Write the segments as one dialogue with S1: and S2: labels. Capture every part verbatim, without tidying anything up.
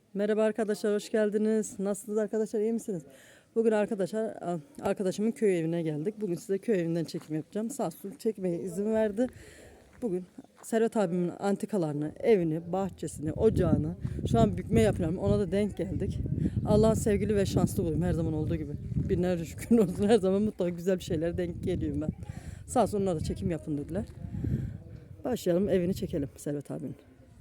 S1: Merhaba arkadaşlar, hoş geldiniz. Nasılsınız arkadaşlar, iyi misiniz? Bugün arkadaşlar arkadaşımın köy evine geldik. Bugün size köy evinden çekim yapacağım. Sağ olsun çekmeye izin verdi. Bugün Servet abimin antikalarını, evini, bahçesini, ocağını şu an bükme yapıyorum. Ona da denk geldik. Allah'ın sevgili ve şanslı kuluyum her zaman olduğu gibi. Binlerce şükür olsun, her zaman mutlaka güzel bir şeyler denk geliyorum ben. Sağ olsun onlar da çekim yapın dediler. Başlayalım, evini çekelim Servet abinin.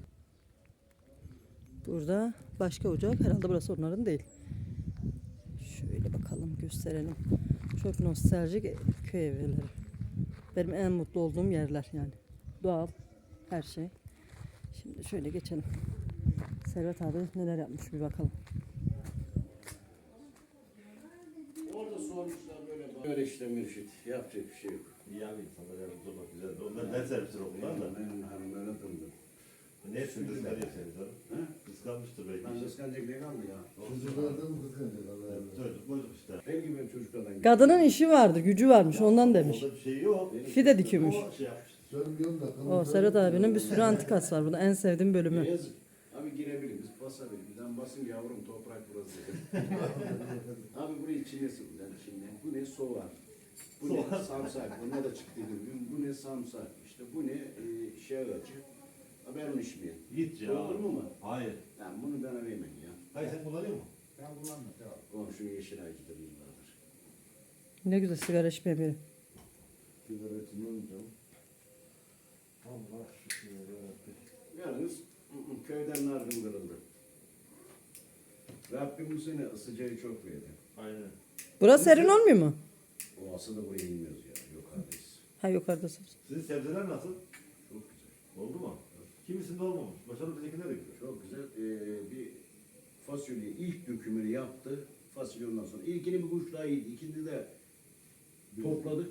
S1: Burada başka ocak. Herhalde burası onların değil. Şöyle bakalım, gösterelim. Çok nostaljik köy evleri. Benim en mutlu olduğum yerler yani. Doğal, her şey. Şimdi şöyle geçelim. Servet abi neler yapmış bir bakalım.
S2: Orada sormuşlar böyle böyle işte Mürşit. Yapacak bir şey yok.
S3: İyi abi insanlar yardımcı olmak güzel. Onlar ders servisleri okullar da.
S2: Benim hanımlara döndüm.
S3: Ne sürdü ne yapıyorsunuz abi? Kıskanmıştır belki.
S2: Ben kıskanacak ne kaldı ya?
S4: Çocuklardan kıskanacak Allah'a emanet.
S3: Çocuk boyduk işte.
S2: Benim gibi benim çocuklardan.
S1: Kadının işi vardı, gücü varmış, ondan demiş.
S3: Orada bir şey yok.
S1: Fide dikiyormuş.
S3: O şey yapmış.
S4: Söylüyorum da.
S1: O Servet abinin bir sürü antikası var burada. En sevdiğim bölümü.
S2: Yazık. Abi girebiliriz, basabiliriz. Ben basın yavrum toprak burası dedim. Abi burayı içine sıkılan şimdi. Bu ne soğan. Bu ne samsak. Buna da çıktı dedim. Bu ne samsak. İşte bu ne e, şey ağacı. Ha, ben onu içmeyeyim.
S3: Git ya.
S2: Olur mu mu?
S3: Hayır.
S2: Yani bunu bana vermeyin ya.
S3: Hayır sen kullanıyor musun?
S4: Ben kullanmıyorum.
S2: Komşunun yeşil ağacıdır yıllardır.
S1: Ne güzel sigara içmeye biri.
S4: Sigara içmiyorum. Allah şükür yarabbim.
S2: Yalnız ı, ı, köyden nargın kırıldı. Rabbim bu sene sıcağı çok verdi.
S3: Aynen.
S1: Burası serin olmuyor mu?
S2: O aslında buraya inmiyoruz ya. Yukarıdayız.
S1: Ha yukarıdasınız.
S3: Sizin sebzeler nasıl?
S2: Çok güzel.
S3: Oldu mu? Kimisinde olmamış. Başarılı bizimkinde de gidiyor.
S2: Çok güzel. Ee, bir fasulye ilk dökümünü yaptı. Fasulye ondan sonra. İlkini bir kuş daha yedi. İkinci de topladık.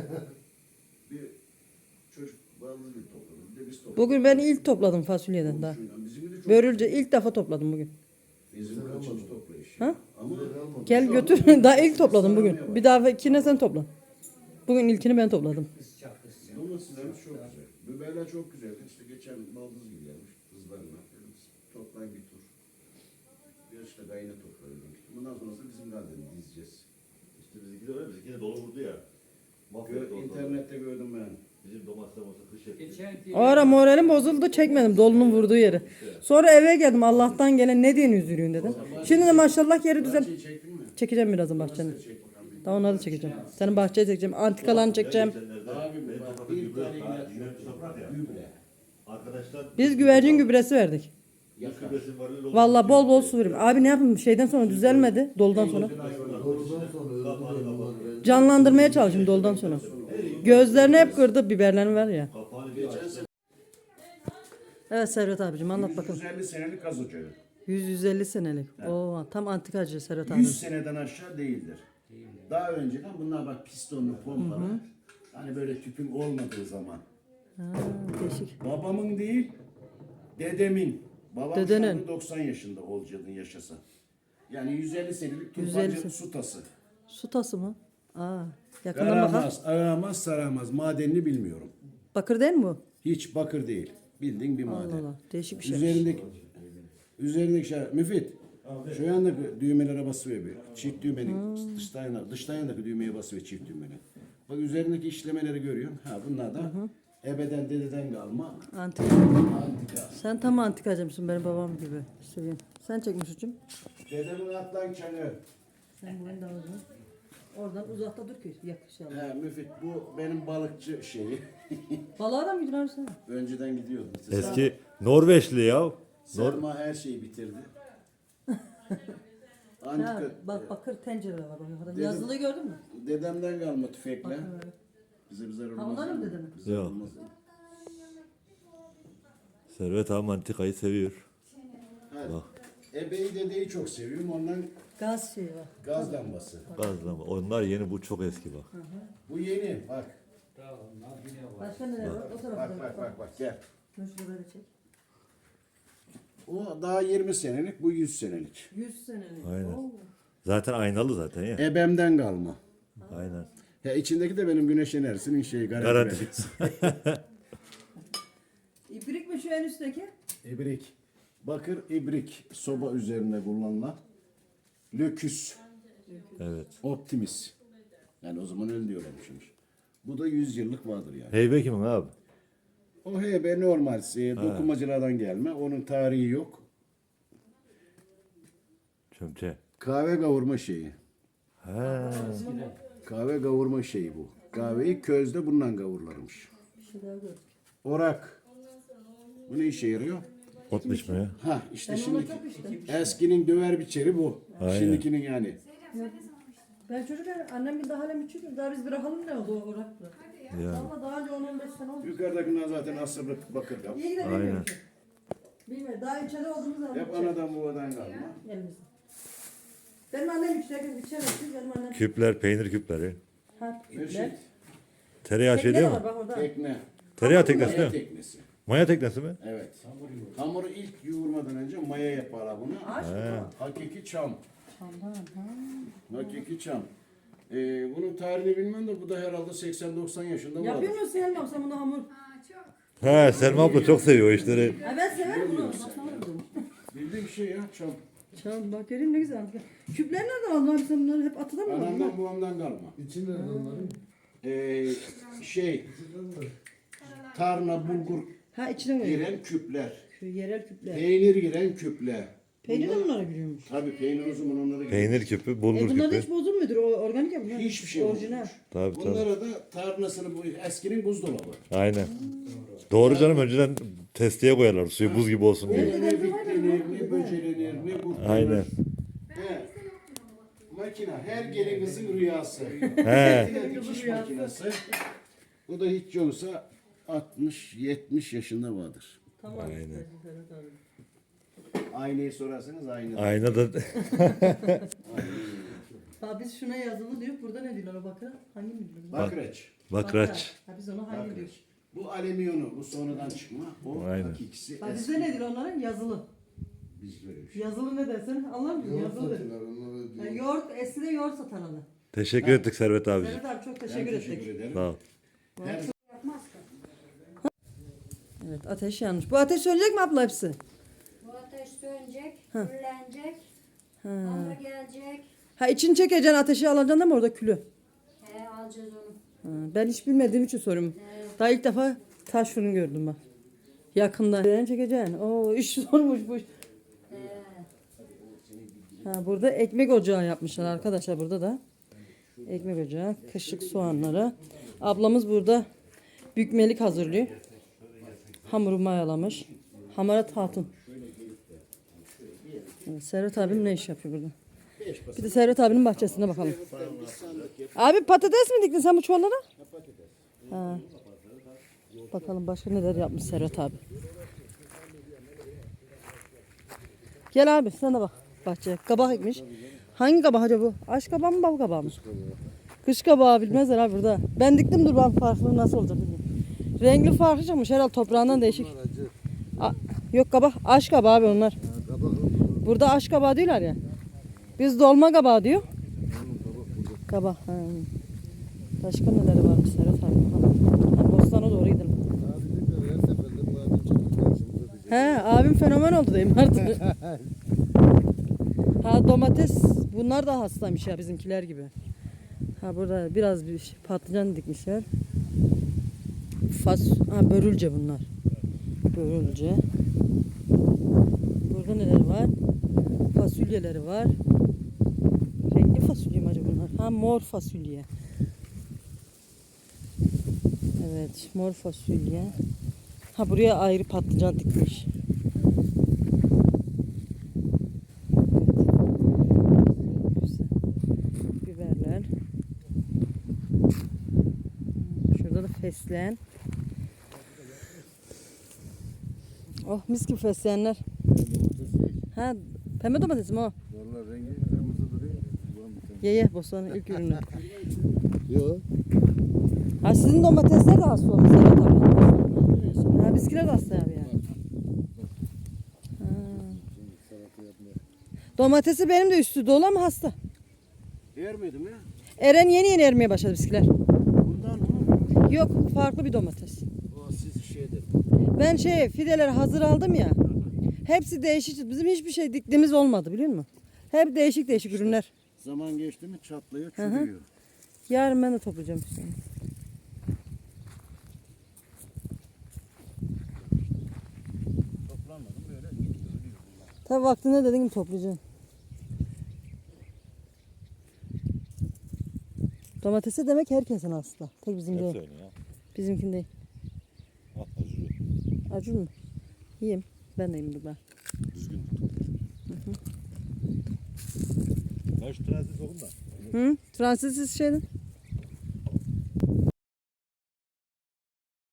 S2: bir çocuk bazı bir topladı. Bir de biz topladık.
S1: Bugün ben ilk topladım fasulyeden daha.
S2: Komşuyla. Bizim de çok
S1: Börülce ilk defa topladım bugün.
S2: bizim kaçıncı toplayış.
S1: Ha?
S2: Ama
S1: Gel götür. Daha ilk topladım bugün. Bir daha ikine sen topla. Bugün ilkini ben topladım.
S2: domateslerimiz çok güzel. Biberler çok güzeldi. İşte geçen baldız gibi gelmiş kızlarla. Dedim, toplayın bir tur. Bir işte gayne toplayalım. Bundan sonrası bizim gardeni dizeceğiz.
S3: İşte bizimki de öyle. Bizimki de dolu vurdu ya. Mahvetti
S2: Gö
S3: ortalığı.
S2: internette gördüm ben.
S3: Bizim domatesler olsa kış etti.
S1: O ara moralim bozuldu, çekmedim dolunun vurduğu yeri. Sonra eve geldim, Allah'tan gelen ne diye üzülüyorsun dedim. Şimdi de maşallah yeri güzel.
S2: Bahçeyi çektin mi?
S1: Çekeceğim birazdan bahçeni.
S2: Bahçeyi çek bakalım.
S1: Daha onları da çekeceğim. Senin bahçeyi çekeceğim, antikalarını çekeceğim.
S3: Geçenlerde
S2: Abi
S3: benim
S2: bak,
S3: toprakta
S2: bir
S3: gübre,
S2: tane
S3: ha,
S2: ilaç
S3: gübre
S2: yok.
S3: toprak ya.
S2: Gübre.
S3: Arkadaşlar.
S1: Biz güvercin gübresi verdik.
S2: Yakar.
S3: Gübresi var, öyle oldu.
S1: Vallahi bol bol su veriyorum. Abi ne yapayım, şeyden sonra düzelmedi, doludan sonra.
S4: Doğrudan sonra öldürüyorum.
S1: Canlandırmaya çalışayım doludan sonra. Gözlerini hep kırdı, biberlerini ver ya.
S3: Kapağını bir açtı.
S1: Evet Servet abicim, anlat bakalım.
S2: yüz elli senelik gaz ocağı.
S1: yüz yüz elli senelik. Oo, tam antikacı Servet abi.
S2: yüz seneden aşağı değildir. Daha önceden bunlar bak pistonlu pompalar. Hani böyle tüpün olmadığı zaman.
S1: Ha, değişik.
S2: Babamın değil, dedemin. Babam
S1: Dedenin.
S2: şu anda doksan yaşında olacaktın yaşasa. Yani yüz elli senelik
S1: yüz elli
S2: turbancı
S1: sen-
S2: su tası.
S1: Su tası mı? Aa, yakından bakar.
S2: Aramaz, aramaz, saramaz. Madenini bilmiyorum.
S1: Bakır değil mi bu?
S2: Hiç bakır değil. Bildiğin bir
S1: Allah
S2: maden.
S1: Allah, değişik bir şey.
S2: Üzerindeki üzerindeki şey Müfit. Şu yandaki düğmelere basıyor bir. Çift düğmeli
S1: Hmm.
S2: dıştan yana, dıştan yanındaki düğmeye basıyor çift düğmeli. Bak üzerindeki işlemeleri görüyorsun. Ha bunlar da ebeden dededen kalma
S1: Antika.
S2: antika.
S1: Sen tam antikacımsın benim babam gibi. Seveyim. Sen çekmiş ucum.
S2: Dedemin atlan çanı.
S1: Sen boyun da alacaksın. Oradan uzakta dur ki yakışalım.
S2: He Müfit bu benim balıkçı şeyi.
S1: Balığa da mı gidiyorsun abi sen?
S2: Önceden gidiyordum.
S5: Eski Norveçli ya. Nor
S2: Selma her şeyi bitirdi.
S1: Ha,
S2: Antika.
S1: bak bakır tencere var orada.
S2: Dedim-
S1: Yazılı gördün mü?
S2: Dedemden kalma tüfekle.
S1: Bakın öyle.
S2: Bize bize olmaz.
S1: Ha, ondan mı dedemin?
S2: Bize
S5: Yok.
S2: olmaz.
S5: Servet abi antikayı seviyor.
S2: Ha, ebeyi dedeyi çok seviyorum. Ondan
S1: Gaz şeyi var.
S2: gaz lambası.
S5: Gazlama. Onlar yeni, bu çok eski bak.
S2: Bu yeni. Bak.
S1: Başka neler var? O tarafta.
S2: Bak bak bak bak gel.
S1: Şunu şurada çek.
S2: O daha yirmi senelik, bu yüz senelik.
S1: yüz senelik.
S5: Aynen.
S1: Oo.
S5: Zaten aynalı zaten ya.
S2: Ebemden kalma.
S5: Aynen.
S2: Ya içindeki de benim güneş enerjisinin şeyi garanti.
S5: Garanti.
S2: verdi.
S1: İplik mi şu en üstteki?
S2: İbrik. Bakır ibrik soba üzerine kullanılan Löküs
S5: Evet.
S2: Optimis. Yani o zaman öyle diyorlarmışmış. Bu da yüz yıllık vardır yani.
S5: Heybe kimin abi?
S2: O H B normal e, dokumacılardan gelme. Onun tarihi yok.
S5: Çömçe.
S2: Kahve kavurma şeyi.
S5: He.
S2: Kahve kavurma şeyi bu. Kahveyi közde bundan kavurlarmış. Orak. Bu ne işe yarıyor?
S5: Ot biçmeye.
S2: Ha işte şimdi eskinin döver biçeri bu.
S5: Aynen.
S2: Şimdikinin yani.
S1: Ben çocukken annem bir daha hala küçüktüm. Daha biz bırakalım ne oldu o orakla.
S5: Yani.
S1: Ama daha önce on on beş sene oldu.
S2: Yukarıdakiler zaten asırlık bakır kap.
S1: İyi ki de
S5: Aynen.
S1: bilmiyorum. Bilmiyorum. Daha içeri olduğumuz zaman.
S2: Hep anadan babadan kalma.
S1: Elimizde. Benim annem içerken içemezdi. Benim annem.
S5: Küpler, peynir küpleri.
S1: Ha,
S2: Mürşit.
S5: Tereyağı şey
S1: Tekne
S5: değil
S1: var
S5: mi?
S1: bak orada.
S2: Tekne.
S5: Tereyağı teknesi
S2: Maya
S5: değil mi?
S2: teknesi.
S5: Maya teknesi mi?
S2: Evet. Hamuru ilk yoğurmadan önce maya yaparlar bunu.
S1: Ağaç mı?
S2: Hakiki çam.
S1: Çamdan. Ha.
S2: Hakiki çam. Ee, bunun tarihini bilmem de bu da herhalde seksen doksan yaşında var.
S1: Yapıyor musun Selma sen bunu hamur?
S5: He, Selma abla çok seviyor o işleri.
S1: Ha, ben severim bunu. Baksana bunu.
S2: Bildiğim şey ya çam.
S1: Çam bak göreyim ne güzel. Küpler nereden aldın abi sen bunları hep atıda mı aldın?
S2: Anamdan babamdan kalma.
S4: İçi nerede onların?
S2: Ee, şey tarna bulgur
S1: Ha içine mi?
S2: giren küpler.
S1: Şu yerel küpler.
S2: Peynir giren küpler.
S1: Peynir de bunlara giriyormuş.
S2: Tabii peynir o zaman onlara girer.
S5: Peynir küpü,
S1: E
S5: bulgur
S1: bunlar da
S5: küpü.
S1: hiç bozulmuyordur. O organik ya bunlar.
S2: Hiçbir şey
S1: Orijinal.
S2: olmuş.
S5: Tabii tabii.
S2: Bunlara da tarnasını bu eskinin buzdolabı.
S5: Aynen. Doğru canım, önceden testiye koyarlar suyu buz gibi olsun diye.
S2: Ne bitlenir, ne böcelenir, ne kurtlanır.
S5: Aynen.
S2: He. Makine her gelin kızın rüyası.
S5: He.
S2: Bir dikiş makinesi. Bu da hiç yoksa altmış yetmiş yaşında vardır.
S1: Tamam.
S5: Aynen.
S2: Aynayı sorarsanız aynı.
S5: Ayna da
S1: Ha biz şuna yazılı diyor. Burada ne diyorlar o bakıra? Hangi mi diyorlar?
S2: Bakreç.
S5: bakraç.
S1: Ha biz ona hangi diyoruz?
S2: Bu alüminyonu, bu sonradan çıkma. O
S5: Aynen.
S2: hakikisi
S1: Ha
S2: eski.
S1: bizde ne diyor onlara? Yazılı.
S2: Biz böyle bir şey.
S1: Yazılı ne dersen anlamıyor musun?
S4: Yoğurt
S1: Yazılı.
S4: satıyorlar onlara
S1: Ha,
S4: diyor.
S1: yoğurt, eskide yoğurt satarlar.
S5: Teşekkür ettik Servet abiciğim.
S1: Serhat abi çok
S2: Ben
S1: teşekkür ettik.
S2: teşekkür ederim.
S5: Sağ ol.
S2: Her
S1: Evet ateş yanmış. Bu ateş sönecek mi abla hepsi?
S6: Bu ateş sönecek, küllenecek, hamur gelecek.
S1: Ha içini çekeceksin ateşi alacaksın ama orada külü.
S6: He, alacağız onu.
S1: Ha, ben hiç bilmediğim için soruyorum. Daha ilk defa taş fırın gördüm bak. Yakında. Ben çekeceksin. Oo iş zormuş bu. iş.
S6: He.
S1: Ha, burada ekmek ocağı yapmışlar arkadaşlar burada da. Ekmek ocağı, kışlık soğanları. Ablamız burada bükmelik hazırlıyor. Hamuru mayalamış. Hamarat hatun. Evet, Serhat abim ne iş yapıyor burada? Bir de Serhat abinin bahçesine bakalım. Abi patates mi diktin sen bu çuvallara? Ha. Bakalım başka neler yapmış Serhat abi. Gel abi sen de bak bahçeye. Kabak ekmiş. Hangi kabak acaba bu? Aş kabağı mı bal kabağı mı? Kış kabağı bilmezler abi burada. Ben diktim dur ben farklı nasıl olacak bilmiyorum. Renkli farklı çıkmış herhalde toprağından değişik. A- yok kabak aş kabağı abi onlar. Burada aş kabağı diyorlar ya. Biz dolma kabağı diyor. Kabak. Ha. Başka neleri varmış Serhat abi? Ha, Bostan'a doğru gidelim. He abim fenomen oldu diyeyim artık. Ha domates bunlar da hastaymış ya bizimkiler gibi. Ha burada biraz bir patlıcan dikmişler. Fas ha börülce bunlar. Börülce. Burada neler var? Fasulyeleri var. Renkli fasulye mi acaba bunlar? Ha mor fasulye. Evet mor fasulye. Ha buraya ayrı patlıcan dikmiş. Güzel. Biberler. Şurada da fesleğen. Oh mis gibi fesleğenler. Ha pembe domates mi o?
S4: Vallahi rengi kırmızı duruyor.
S1: Ye ye bostanın ilk ürünü.
S4: Yok.
S1: Ha sizin domatesler de hasta olmuş Serhat abi. Ha bizkiler de hasta abi ya. Ha. Domatesi benim de üstü dolu ama hasta.
S2: Ermedi mi?
S1: Eren yeni yeni ermeye başladı bizkiler.
S2: Bundan mı?
S1: Yok farklı bir domates.
S2: O siz şeyde.
S1: Ben şey fideleri hazır aldım ya. Hepsi değişik. Bizim hiçbir şey diktiğimiz olmadı biliyor musun? Hep değişik değişik ürünler.
S2: Zaman geçti mi çatlıyor,
S1: Hı hı.
S2: çürüyor.
S1: Yarın ben de toplayacağım işte.
S2: Toplanmadım böyle gidiyor, ölüyor.
S1: Tabii vaktinde dediğim gibi toplayacağım. Domatesi demek herkesin aslında. Tek bizim
S5: Hep
S1: değil.
S5: söyle ya.
S1: Bizimkin değil.
S5: Al acıyor.
S1: Acur mu? Yiyeyim. Ben de yiyeyim dur ben.
S5: Düzgün. Ben şu trensi sokun da.
S1: Hı? Fransız şeyden.